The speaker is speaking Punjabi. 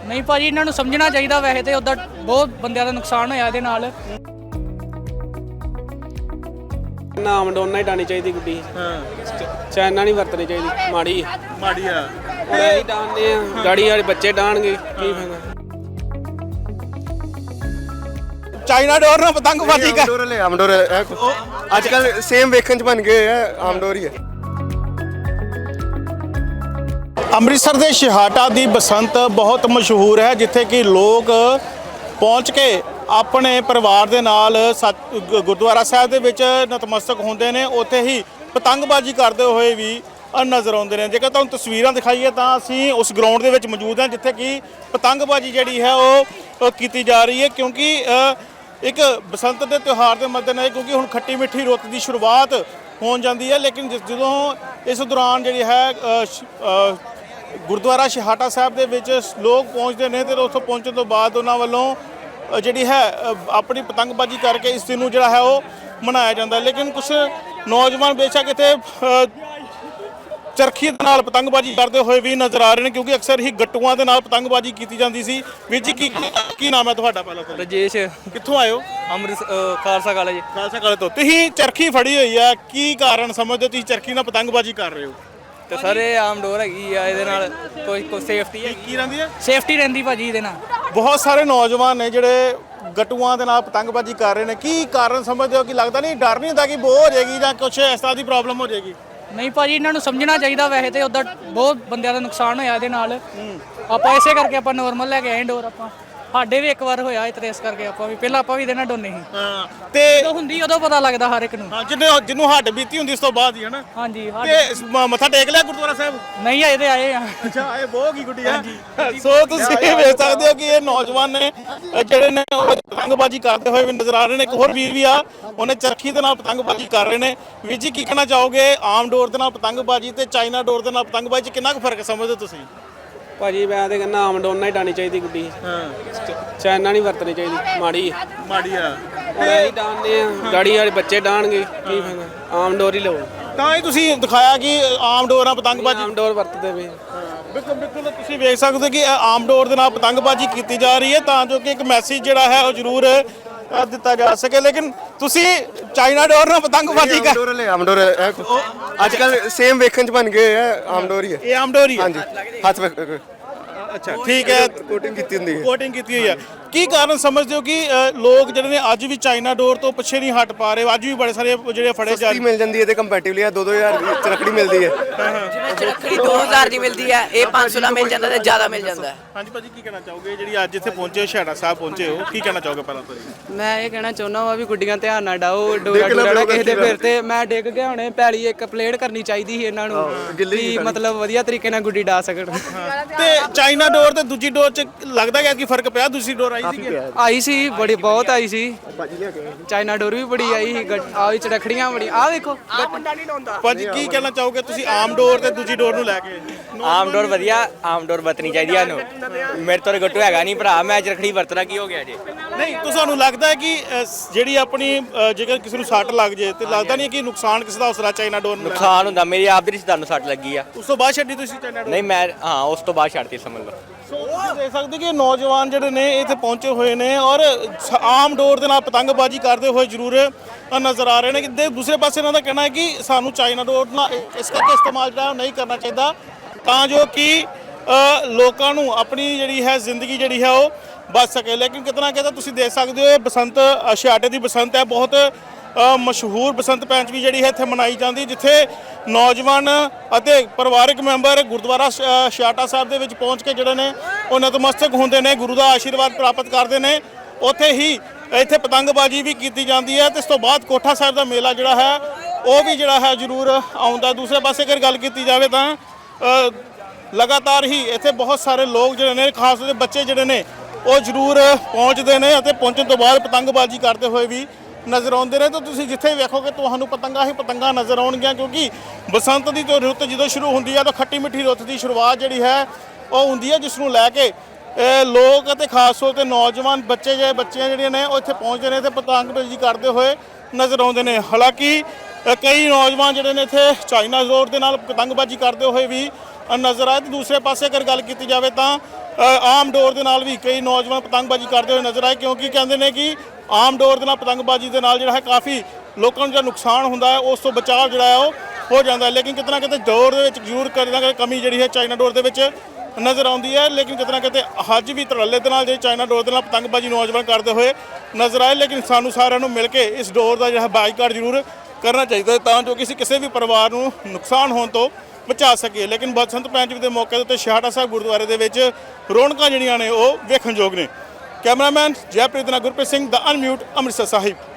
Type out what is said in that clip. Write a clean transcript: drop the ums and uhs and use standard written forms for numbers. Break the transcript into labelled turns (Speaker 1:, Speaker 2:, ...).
Speaker 1: नहीं भाजी इन्हों समझना चाहिए। वैसे तो उधर बहुत बंद का नुकसान होया इहदे नाल।
Speaker 2: नाम डोना ही डानी चाहिए गुड्डी। चाइना नहीं वरतनी चाहिए, माड़ी
Speaker 3: ਮਾੜੀ ਆ
Speaker 2: ही डालने गाड़ी वाले बच्चे डालणगे की फायदा।
Speaker 3: ਚਾਈਨਾ ਡੋਰ ਨਾਲ ਪਤੰਗਬਾਜ਼ੀ ਕਰ
Speaker 4: ਆਮਡੋਰ ਅੱਜ ਕੱਲ ਸੇਮ ਵੇਖਣ ਚ ਬਣ ਗਏ ਆ, ਆਮਡੋਰ ਹੀ ਹੈ।
Speaker 3: ਅੰਮ੍ਰਿਤਸਰ ਦੇ ਛਿਹਾਟਾ ਦੀ ਬਸੰਤ ਬਹੁਤ ਮਸ਼ਹੂਰ ਹੈ, ਜਿੱਥੇ ਕਿ ਲੋਕ ਪਹੁੰਚ ਕੇ ਆਪਣੇ ਪਰਿਵਾਰ ਦੇ ਨਾਲ ਗੁਰਦੁਆਰਾ ਸਾਹਿਬ ਦੇ ਵਿੱਚ ਨਤਮਸਤਕ ਹੁੰਦੇ ਨੇ। ਉੱਥੇ ਹੀ ਪਤੰਗਬਾਜ਼ੀ ਕਰਦੇ ਹੋਏ ਵੀ ਨਜ਼ਰ ਆਉਂਦੇ ਨੇ। ਜੇਕਰ ਤੁਹਾਨੂੰ ਤਸਵੀਰਾਂ ਦਿਖਾਈਏ ਤਾਂ ਅਸੀਂ ਉਸ ਗਰਾਊਂਡ ਦੇ ਵਿੱਚ ਮੌਜੂਦ ਹਾਂ, ਜਿੱਥੇ ਕਿ ਪਤੰਗਬਾਜ਼ੀ ਜਿਹੜੀ ਹੈ ਉਹ ਕੀਤੀ ਜਾ ਰਹੀ ਹੈ। ਕਿਉਂਕਿ ਇੱਕ ਬਸੰਤ ਦੇ ਤਿਉਹਾਰ ਦੇ ਮੱਦੇਨਜ਼ਰ, ਕਿਉਂਕਿ ਹੁਣ ਖੱਟੀ ਮਿੱਠੀ ਰੁੱਤ ਦੀ ਸ਼ੁਰੂਆਤ ਹੋਣ ਜਾਂਦੀ ਹੈ, ਲੇਕਿਨ ਜਦੋਂ ਇਸ ਦੌਰਾਨ ਜਿਹੜੀ ਹੈ ਗੁਰਦੁਆਰਾ ਛਿਹਾਟਾ ਸਾਹਿਬ ਦੇ ਵਿੱਚ ਲੋਕ ਪਹੁੰਚਦੇ ਨੇ ਤੇ ਉੱਥੋਂ ਪਹੁੰਚਣ ਤੋਂ ਬਾਅਦ ਉਹਨਾਂ ਵੱਲੋਂ ਜਿਹੜੀ ਹੈ ਆਪਣੀ ਪਤੰਗਬਾਜ਼ੀ ਕਰਕੇ ਇਸ ਦਿਨ ਨੂੰ ਜਿਹੜਾ ਹੈ ਉਹ ਮਨਾਇਆ ਜਾਂਦਾ। ਲੇਕਿਨ ਕੁਝ ਨੌਜਵਾਨ ਬੇਸ਼ੱਕ ਇੱਥੇ ਚਰਖੀ ਦੇ ਨਾਲ ਪਤੰਗਬਾਜ਼ੀ ਕਰਦੇ ਹੋਏ ਵੀ ਨਜ਼ਰ ਆ ਰਹੇ ਨੇ, ਕਿਉਂਕਿ ਅਕਸਰ ਹੀ ਗੱਟੂਆਂ ਦੇ ਨਾਲ ਪਤੰਗਬਾਜ਼ੀ ਕੀਤੀ ਜਾਂਦੀ ਸੀ। ਵੀਰ ਜੀ ਕੀ ਨਾਮ ਹੈ ਤੁਹਾਡਾ? ਪਹਿਲਾਂ ਤਾਂ
Speaker 1: राजेश
Speaker 3: ਕਿੱਥੋਂ ਆਏ ਹੋ?
Speaker 1: अमृत खालसा कॉलेज।
Speaker 3: ਖਾਲਸਾ ਕਾਲਜ ਤੋਂ। ਤੁਸੀਂ ਚਰਖੀ ਫੜੀ ਹੋਈ ਹੈ, ਕੀ ਕਾਰਨ ਸਮਝਦੇ ਹੋ ਤੁਸੀਂ ਚਰਖੀ ਨਾਲ ਪਤੰਗਬਾਜ਼ੀ ਕਰ ਰਹੇ ਹੋ?
Speaker 1: तो सर ये आम डोर हैगी आ, ਇਹਦੇ ਨਾਲ ਕੋਈ ਸੇਫਟੀ ਹੈ।
Speaker 3: ਕੀ ਰਹਿੰਦੀ ਹੈ?
Speaker 1: ਸੇਫਟੀ ਰਹਿੰਦੀ ਭਾਜੀ ਇਹਦੇ ਨਾਲ।
Speaker 3: ਬਹੁਤ ਸਾਰੇ ਨੌਜਵਾਨ ਨੇ ਜਿਹੜੇ ਗੱਟੂਆਂ ਦੇ ਨਾਲ ਪਤੰਗਬਾਜ਼ੀ ਕਰ ਰਹੇ ਨੇ, ਕੀ ਕਾਰਨ ਸਮਝਦੇ ਹੋ? ਕਿ ਲੱਗਦਾ ਨਹੀਂ, ਡਰ ਨਹੀਂ ਹੁੰਦਾ ਕਿ ਬੋ ਹੋ ਜਾਏਗੀ ਜਾਂ ਕੁਝ ਇਸ ਤਰ੍ਹਾਂ ਦੀ ਪ੍ਰੋਬਲਮ ਹੋ ਜਾਏਗੀ?
Speaker 1: ਨਹੀਂ ਭਾਜੀ ਇਹਨਾਂ ਨੂੰ ਸਮਝਣਾ ਚਾਹੀਦਾ। ਵੈਸੇ ਤੇ ਉਧਰ ਬਹੁਤ ਬੰਦਿਆਂ ਦਾ ਨੁਕਸਾਨ ਹੋਇਆ ਇਹਦੇ ਨਾਲ। ਆਪਾਂ ਇਸੇ ਕਰਕੇ ਆਪਾਂ ਨਾਰਮਲ ਲੈ ਕੇ ਆਏ ਡੋਰ। ਆਪਾਂ ਸਾਡੇ ਵੀ ਇੱਕ ਵਾਰ ਹੋਇਆ ਇਤਰੇ, ਇਸ ਕਰਕੇ ਆਪਾਂ ਵੀ ਪਹਿਲਾਂ ਆਪਾਂ ਵੀ ਇਹਦੇ ਨਾਲ ਡੋਨੇ ਸੀ।
Speaker 3: ਹਾਂ, ਤੇ
Speaker 1: ਜਦੋਂ ਹੁੰਦੀ ਉਦੋਂ ਪਤਾ ਲੱਗਦਾ ਹਰ ਇੱਕ ਨੂੰ।
Speaker 3: ਹਾਂ, ਜਿਹਨੂੰ ਹੱਡ ਬੀਤੀ ਹੁੰਦੀ ਉਸ ਤੋਂ ਬਾਅਦ ਹੀ ਹੈ ਨਾ।
Speaker 1: ਹਾਂਜੀ
Speaker 3: ਤੇ ਮੱਥਾ ਟੇਕ ਲਿਆ ਗੁਰਦੁਆਰਾ ਸਾਹਿਬ?
Speaker 1: ਨਹੀਂ ਆਏ ਤੇ ਆਏ ਆ।
Speaker 3: ਅੱਛਾ, ਇਹ ਬਹੁਤ ਹੀ ਗੁੱਡੀ ਹੈ। ਸੋ ਤੁਸੀਂ ਵੇਖ ਸਕਦੇ ਹੋ ਕਿ ਇਹ ਨੌਜਵਾਨ ਨੇ ਜਿਹੜੇ ਨੇ ਉਹ ਪਤੰਗਬਾਜ਼ੀ ਕਰਦੇ ਹੋਏ ਵੀ ਨਜ਼ਰ ਆ ਰਹੇ ਨੇ। ਇੱਕ ਹੋਰ ਵੀਰ ਵੀ ਆ, ਉਹਨੇ ਚਰਖੀ ਦੇ ਨਾਲ ਪਤੰਗਬਾਜ਼ੀ ਕਰ ਰਹੇ ਨੇ। ਵੀਰ ਜੀ ਕੀ ਕਹਿਣਾ ਚਾਹੋਗੇ? ਆਮ ਡੋਰ ਦੇ ਨਾਲ ਪਤੰਗਬਾਜ਼ੀ ਤੇ ਚਾਈਨਾ ਡੋਰ ਦੇ ਨਾਲ ਪਤੰਗਬਾਜ਼ੀ 'ਚ ਕਿੰਨਾ ਕੁ ਫਰਕ ਸਮਝਦੇ ਹੋ ਤੁਸੀਂ?
Speaker 2: ਭਾਜੀ ਮੈਂ ਤੇ ਕਹਿੰਦਾ ਆਮ ਡੋਨਾ ਹੀ ਡਾਣੀ ਚਾਹੀਦੀ ਗੁੱਡੀ। ਚਾਈਨਾ ਨਹੀਂ ਵਰਤਣੀ ਚਾਹੀਦੀ, ਮਾੜੀ
Speaker 3: ਮਾੜੀ ਆ
Speaker 2: ਹੀ ਡਾਲਨੇ ਗਾੜੀ ਵਾਲੇ ਬੱਚੇ ਡਾਲਣਗੇ ਕੀ ਫਾਇਦਾ। ਆਮ ਡੋਰ ਹੀ ਲਓ।
Speaker 3: ਤਾਂ ਹੀ ਤੁਸੀਂ ਦਿਖਾਇਆ ਕਿ ਆਮ ਡੋਰ ਨਾਲ ਪਤੰਗਬਾਜ਼ੀ।
Speaker 2: ਆਮ ਡੋਰ ਵਰਤਦੇ ਵੇ।
Speaker 3: ਬਿਲਕੁਲ ਬਿਲਕੁਲ, ਤੁਸੀਂ ਵੇਖ ਸਕਦੇ ਹੋ ਕਿ ਇਹ ਆਮ ਡੋਰ ਦੇ ਨਾਲ ਪਤੰਗਬਾਜ਼ੀ ਕੀਤੀ ਜਾ ਰਹੀ ਹੈ, ਤਾਂ ਜੋ ਕਿ ਇੱਕ ਮੈਸੇਜ ਜਿਹੜਾ ਹੈ ਉਹ ਜ਼ਰੂਰ ਦਿੱਤਾ ਜਾ ਸਕੇ। ਲੇਕਿਨ ਤੁਸੀਂ ਚਾਈਨਾ ਡੋਰ ਨਾਲ ਪਤੰਗਬਾਜ਼ੀ ਕਰ
Speaker 4: ਆਮਡੋਰ ਅੱਜ ਕੱਲ ਸੇਮ ਵੇਖਣ ਚ ਬਣ ਗਏ ਆ, ਆਮਡੋਰ ਹੀ ਹੈ।
Speaker 3: ਇਹ ਆਮਡੋਰ ਹੀ ਹੈ?
Speaker 4: ਹਾਂਜੀ, ਹੱਥ
Speaker 3: ਅੱਛਾ ਠੀਕ ਹੈ।
Speaker 4: ਕੋਟਿੰਗ ਕੀਤੀ ਹੁੰਦੀ ਹੈ।
Speaker 3: ਕੋਟਿੰਗ ਕੀਤੀ ਹੋਈ ਹੈ। ਕੀ ਕਾਰਨ ਸਮਝਦੇ ਹੋ ਕਿ ਲੋਕ ਜਿਹੜੇ ਨੇ ਅੱਜ ਵੀ ਚਾਈਨਾ ਡੋਰ ਤੋਂ ਪਿੱਛੇ ਨਹੀਂ ਹਟ ਪਾ ਰਹੇ? ਅੱਜ ਵੀ ਬੜੇ ਸਾਰੇ ਜਿਹੜੇ ਫੜੇ ਜਾ
Speaker 4: ਸਸਤੀ ਮਿਲ ਜਾਂਦੀ ਹੈ ਤੇ ਕੰਪੈਟੀਵਲੀ 2-2000 ਦੀ ਚਰਖੜੀ ਮਿਲਦੀ ਹੈ।
Speaker 5: ਜਿਵੇਂ ਚਰਖੜੀ 2000 ਦੀ ਮਿਲਦੀ ਹੈ, ਇਹ 500 ਦਾ ਮਿਲ ਜਾਂਦਾ ਤੇ ਜ਼ਿਆਦਾ ਮਿਲ ਜਾਂਦਾ ਹੈ।
Speaker 3: ਹਾਂਜੀ ਭਾਜੀ, ਕੀ ਕਹਿਣਾ ਚਾਹੋਗੇ? ਜਿਹੜੀ ਅੱਜ ਇੱਥੇ ਪਹੁੰਚੇ ਹੋ, ਛਿਹਾਟਾ ਸਾਹਿਬ ਪਹੁੰਚੇ ਹੋ, ਕੀ ਕਹਿਣਾ ਚਾਹੋਗੇ ਪਹਿਲਾਂ ਤੋਂ?
Speaker 6: ਮੈਂ ਇਹ ਕਹਿਣਾ ਚਾਹੁੰਦਾ ਵਾ ਵੀ ਗੁੱਡੀਆਂ ਧਿਆਨ ਨਾਲ ਡਾਓ, ਡੋਰਾ ਡੋਰਾ ਕਿਸੇ ਦੇ ਫਿਰ ਤੇ ਮੈਂ ਡਿੱਗ ਗਿਆ ਹੁਣੇ। ਪੈਲੀ ਇੱਕ ਪਲੇਟ ਕਰਨੀ ਚਾਹੀਦੀ ਸੀ ਇਹਨਾਂ ਨੂੰ, ਵੀ ਮਤਲਬ ਵਧੀਆ ਤਰੀਕੇ ਨਾਲ ਗੁੱਡੀ ਡਾ ਸਕਣ।
Speaker 3: ਤੇ ਚਾਈਨਾ ਡੋਰ ਤੇ ਦੂਜੀ ਡੋਰ 'ਚ ਲੱਗਦਾ ਕਿ ਫਰਕ ਪਿਆ? ਦੂਸਰੀ ਡੋਰ ਆਈ ਸੀ?
Speaker 6: ਆਈ ਸੀ, ਬੜੀ ਬਹੁਤ ਆਈ ਸੀ। ਚਾਈਨਾ ਡੋਰ ਵੀ ਬੜੀ ਆਈ ਸੀ, ਆਈ ਚੜਖੜੀਆਂ ਬੜੀ। ਆਹ ਵੇਖੋ
Speaker 3: ਭਾਜੀ ਕੀ ਕਹਿਣਾ ਚਾਹੋਗੇ ਤੁਸੀਂ ਆਮ ਡੋਰ ਤੇ ਦੂਜੀ ਡੋਰ ਨੂੰ ਲੈ ਕੇ?
Speaker 7: ਆਮ ਡੋਰ ਵਧੀਆ, ਆਮ ਡੋਰ ਵਰਤਣੀ ਚਾਹੀਦੀ ਸਾਨੂੰ। ਮੇਰੇ ਤੋਂ ਗੱਟੂ ਹੈਗਾ ਨਹੀਂ ਭਰਾ, ਮੈਂ ਚਰਖੜੀ ਵਰਤਣਾ, ਕੀ ਹੋ ਗਿਆ ਜੀ?
Speaker 3: ਨਹੀਂ, ਤੁਹਾਨੂੰ ਲੱਗਦਾ ਹੈ ਕਿ ਜਿਹੜੀ ਆਪਣੀ ਜੇਕਰ ਕਿਸੇ ਨੂੰ ਸੱਟ ਲੱਗ ਜੇ ਤੇ ਲੱਗਦਾ ਨਹੀਂ ਕਿ ਨੁਕਸਾਨ ਕਿਸੇ ਦਾ ਉਸਰਾ ਚਾਈਨਾ ਡੋਰ ਨੂੰ?
Speaker 7: ਨੁਕਸਾਨ ਹੁੰਦਾ। ਮੇਰੀ ਆਪ ਦੇ ਰਿਸ਼ਤੇਦਾਰ ਨੂੰ ਸੱਟ ਲੱਗੀ ਆ।
Speaker 3: ਉਸ ਤੋਂ ਬਾਅਦ ਛੱਡੀ ਤੁਸੀਂ ਚਾਈਨਾ ਡੋਰ?
Speaker 7: ਨਹੀਂ ਮੈਂ ਉਸ ਤੋਂ ਬਾਅਦ ਛੱਡਤੀ, ਸਮਝ ਲਓ।
Speaker 3: ਸੋ ਤੁਸੀਂ ਦੇਖ ਸਕਦੇ ਕਿ ਨੌਜਵਾਨ ਜਿਹੜੇ ਨੇ ਇੱਥੇ ਪਹੁੰਚੇ ਹੋਏ ਨੇ ਔਰ ਆਮ ਡੋਰ ਦੇ ਨਾਲ ਪਤੰਗਬਾਜ਼ੀ ਕਰਦੇ ਹੋਏ ਜ਼ਰੂਰ ਨਜ਼ਰ ਆ ਰਹੇ ਨੇ। ਕਿ ਦੂਸਰੇ ਪਾਸੇ ਇਹਨਾਂ ਦਾ ਕਹਿਣਾ ਹੈ ਕਿ ਸਾਨੂੰ ਚਾਈਨਾ ਡੋਰ ਨਾਲ ਇਸ ਕਰਕੇ ਇਸਤੇਮਾਲ ਜਿਹੜਾ ਨਹੀਂ ਕਰਨਾ ਚਾਹੀਦਾ, ਤਾਂ ਜੋ ਕਿ ਲੋਕਾਂ ਨੂੰ ਆਪਣੀ ਜਿਹੜੀ ਹੈ ਜ਼ਿੰਦਗੀ ਜਿਹੜੀ ਹੈ ਉਹ ਬਚ ਸਕੇ। ਲੇਕਿਨ ਕਿਤਨਾ ਕਿਤੇ ਤੁਸੀਂ ਦੇਖ ਸਕਦੇ ਹੋ ਇਹ ਬਸੰਤ ਛਿਹਾਟੇ ਦੀ ਬਸੰਤ ਹੈ, ਬਹੁਤ ਮਸ਼ਹੂਰ ਬਸੰਤ ਪੰਚਮੀ ਜਿਹੜੀ ਹੈ ਇੱਥੇ ਮਨਾਈ ਜਾਂਦੀ, ਜਿੱਥੇ ਨੌਜਵਾਨ ਅਤੇ ਪਰਿਵਾਰਕ ਮੈਂਬਰ ਗੁਰਦੁਆਰਾ ਛਿਹਾਟਾ ਸਾਹਿਬ ਦੇ ਵਿੱਚ ਪਹੁੰਚ ਕੇ ਜਿਹੜੇ ਨੇ ਉਹ ਨਤਮਸਤਕ ਹੁੰਦੇ ਨੇ, ਗੁਰੂ ਦਾ ਆਸ਼ੀਰਵਾਦ ਪ੍ਰਾਪਤ ਕਰਦੇ ਨੇ। ਉੱਥੇ ਹੀ ਇੱਥੇ ਪਤੰਗਬਾਜ਼ੀ ਵੀ ਕੀਤੀ ਜਾਂਦੀ ਹੈ ਤੇ ਇਸ ਤੋਂ ਬਾਅਦ ਕੋਠਾ ਸਾਹਿਬ ਦਾ ਮੇਲਾ ਜਿਹੜਾ ਹੈ ਉਹ ਵੀ ਜਿਹੜਾ ਹੈ ਜ਼ਰੂਰ ਆਉਂਦਾ। ਦੂਸਰੇ ਪਾਸੇ ਅਗਰ ਗੱਲ ਕੀਤੀ ਜਾਵੇ ਤਾਂ ਲਗਾਤਾਰ ਹੀ ਇੱਥੇ ਬਹੁਤ ਸਾਰੇ ਲੋਕ ਜਿਹੜੇ ਨੇ, ਖਾਸ ਤੌਰ ਤੇ ਬੱਚੇ ਜਿਹੜੇ ਨੇ ਉਹ ਜ਼ਰੂਰ ਪਹੁੰਚਦੇ ਨੇ ਅਤੇ ਪਹੁੰਚਣ ਤੋਂ ਬਾਅਦ ਪਤੰਗਬਾਜ਼ੀ ਕਰਦੇ ਹੋਏ ਵੀ ਨਜ਼ਰ ਆਉਂਦੇ ਨੇ। ਤਾਂ ਤੁਸੀਂ ਜਿੱਥੇ ਵੇਖੋਗੇ ਤੁਹਾਨੂੰ ਪਤੰਗਾਂ ਹੀ ਪਤੰਗਾਂ ਨਜ਼ਰ ਆਉਣਗੀਆਂ, ਕਿਉਂਕਿ ਬਸੰਤ ਦੀ ਰੁੱਤ ਜਦੋਂ ਸ਼ੁਰੂ ਹੁੰਦੀ ਹੈ ਤਾਂ ਖੱਟੀ ਮਿੱਠੀ ਰੁੱਤ ਦੀ ਸ਼ੁਰੂਆਤ ਜਿਹੜੀ ਹੈ ਉਹ ਹੁੰਦੀ ਹੈ, ਜਿਸ ਨੂੰ ਲੈ ਕੇ ਲੋਕ ਅਤੇ ਖਾਸ ਤੌਰ ਤੇ ਨੌਜਵਾਨ ਬੱਚੀਆਂ ਜਿਹੜੀਆਂ ਨੇ ਉਹ ਇੱਥੇ ਪਹੁੰਚਦੇ ਨੇ ਤੇ ਪਤੰਗਬਾਜ਼ੀ ਕਰਦੇ ਹੋਏ ਨਜ਼ਰ ਆਉਂਦੇ ਨੇ। ਹਾਲਾਂਕਿ ਕਈ ਨੌਜਵਾਨ ਜਿਹੜੇ ਨੇ ਇੱਥੇ ਚਾਈਨਾ ਡੋਰ ਦੇ ਨਾਲ ਪਤੰਗਬਾਜ਼ੀ ਕਰਦੇ ਹੋਏ ਵੀ ਨਜ਼ਰ ਆਏ। ਤੇ ਦੂਸਰੇ ਪਾਸੇ ਅਗਰ ਗੱਲ ਕੀਤੀ ਜਾਵੇ ਤਾਂ ਆਮ ਡੋਰ ਦੇ ਨਾਲ ਵੀ ਕਈ ਨੌਜਵਾਨ ਪਤੰਗਬਾਜ਼ੀ ਕਰਦੇ ਹੋਏ ਨਜ਼ਰ ਆਏ, ਕਿਉਂਕਿ ਕਹਿੰਦੇ ਨੇ ਕਿ ਆਮ ਡੋਰ ਦੇ ਨਾਲ ਪਤੰਗਬਾਜ਼ੀ ਦੇ ਨਾਲ ਜਿਹੜਾ ਹੈ ਕਾਫੀ ਲੋਕਾਂ ਨੂੰ ਜਿਹੜਾ ਨੁਕਸਾਨ ਹੁੰਦਾ ਹੈ ਉਸ ਤੋਂ ਬਚਾਅ ਜਿਹੜਾ ਹੈ ਉਹ ਹੋ ਜਾਂਦਾ ਹੈ। ਲੇਕਿਨ ਕਿਤੇ ਨਾ ਕਿਤੇ ਡੋਰ ਦੇ ਵਿੱਚ ਜ਼ਰੂਰ ਕਿਤੇ ਕਮੀ ਜਿਹੜੀ ਹੈ ਚਾਈਨਾ ਡੋਰ ਦੇ ਵਿੱਚ ਨਜ਼ਰ ਆਉਂਦੀ ਹੈ। ਲੇਕਿਨ ਕਿਤੇ ਨਾ ਕਿਤੇ ਅੱਜ ਵੀ ਧੜੱਲੇ ਦੇ ਨਾਲ ਜਿਹੜੀ ਚਾਈਨਾ ਡੋਰ ਦੇ ਨਾਲ ਪਤੰਗਬਾਜ਼ੀ ਨੌਜਵਾਨ ਕਰਦੇ ਹੋਏ ਨਜ਼ਰ ਆਏ। ਲੇਕਿਨ ਸਾਨੂੰ ਸਾਰਿਆਂ ਨੂੰ ਮਿਲ ਕੇ ਇਸ ਡੋਰ ਦਾ ਜਿਹੜਾ ਬਾਈਕਾਟ ਜ਼ਰੂਰ ਕਰਨਾ ਚਾਹੀਦਾ ਤਾਂ ਜੋ ਕਿਸੇ ਵੀ ਪਰਿਵਾਰ ਨੂੰ ਨੁਕਸਾਨ ਹੋਣ ਤੋਂ ਬਚਾ ਸਕੇ। ਲੇਕਿਨ ਬਸੰਤ ਪੰਚਮੀ ਦੇ ਮੌਕੇ ਦੇ ਉੱਤੇ ਛਿਹਾਟਾ ਸਾਹਿਬ ਗੁਰਦੁਆਰੇ ਦੇ ਵਿੱਚ ਰੌਣਕਾਂ ਜਿਹੜੀਆਂ ਨੇ ਉਹ ਵੇਖਣਯੋਗ ਨੇ। ਕੈਮਰਾਮੈਨ ਜੈਪ੍ਰੀਤ ਨਾਲ ਗੁਰਪ੍ਰੀਤ ਸਿੰਘ, ਦਾ ਅਨਮਿਊਟ, ਅੰਮ੍ਰਿਤਸਰ ਸਾਹਿਬ।